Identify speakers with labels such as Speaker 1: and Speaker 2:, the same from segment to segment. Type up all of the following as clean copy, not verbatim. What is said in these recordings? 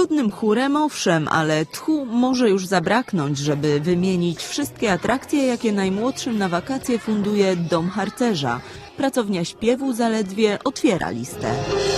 Speaker 1: Wygodnym chórem owszem, ale tchu może już zabraknąć, żeby wymienić wszystkie atrakcje, jakie najmłodszym na wakacje funduje Dom Harcerza. Pracownia śpiewu zaledwie otwiera listę.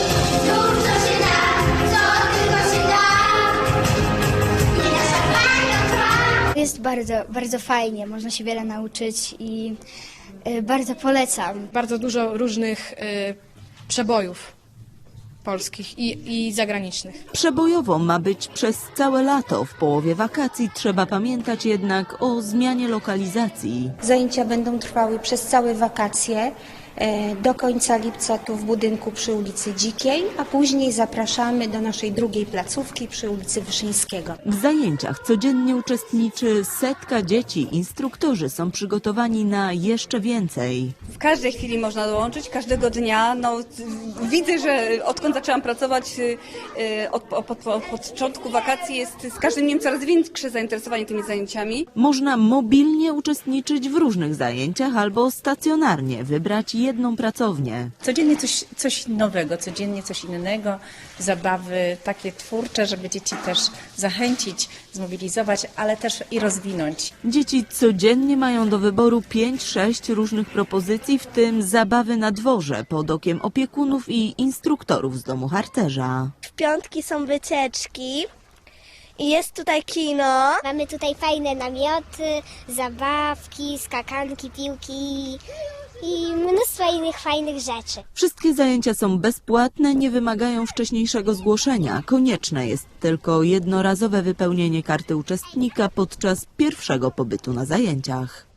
Speaker 2: Jest bardzo fajnie, można się wiele nauczyć i bardzo polecam.
Speaker 3: Bardzo dużo różnych przebojów polskich i zagranicznych.
Speaker 1: Przebojowo ma być przez całe lato. W połowie wakacji trzeba pamiętać jednak o zmianie lokalizacji.
Speaker 4: Zajęcia będą trwały przez całe wakacje do końca lipca tu w budynku przy ulicy Dzikiej, a później zapraszamy do naszej drugiej placówki przy ulicy Wyszyńskiego.
Speaker 1: W zajęciach codziennie uczestniczy setka dzieci. Instruktorzy są przygotowani na jeszcze więcej.
Speaker 5: W każdej chwili można dołączyć, każdego dnia. Widzę, że odkąd zaczęłam pracować od początku wakacji jest z każdym dniem coraz większe zainteresowanie tymi zajęciami.
Speaker 1: Można mobilnie uczestniczyć w różnych zajęciach albo stacjonarnie wybrać jedną pracownię.
Speaker 6: Codziennie coś nowego, codziennie coś innego, zabawy takie twórcze, żeby dzieci też zachęcić, zmobilizować, ale też i rozwinąć.
Speaker 1: Dzieci codziennie mają do wyboru 5-6 różnych propozycji, w tym zabawy na dworze pod okiem opiekunów i instruktorów z Domu Harcerza.
Speaker 7: W piątki są wycieczki i jest tutaj kino.
Speaker 8: Mamy tutaj fajne namioty, zabawki, skakanki, piłki i mnóstwo innych fajnych rzeczy.
Speaker 1: Wszystkie zajęcia są bezpłatne, nie wymagają wcześniejszego zgłoszenia. Konieczne jest tylko jednorazowe wypełnienie karty uczestnika podczas pierwszego pobytu na zajęciach.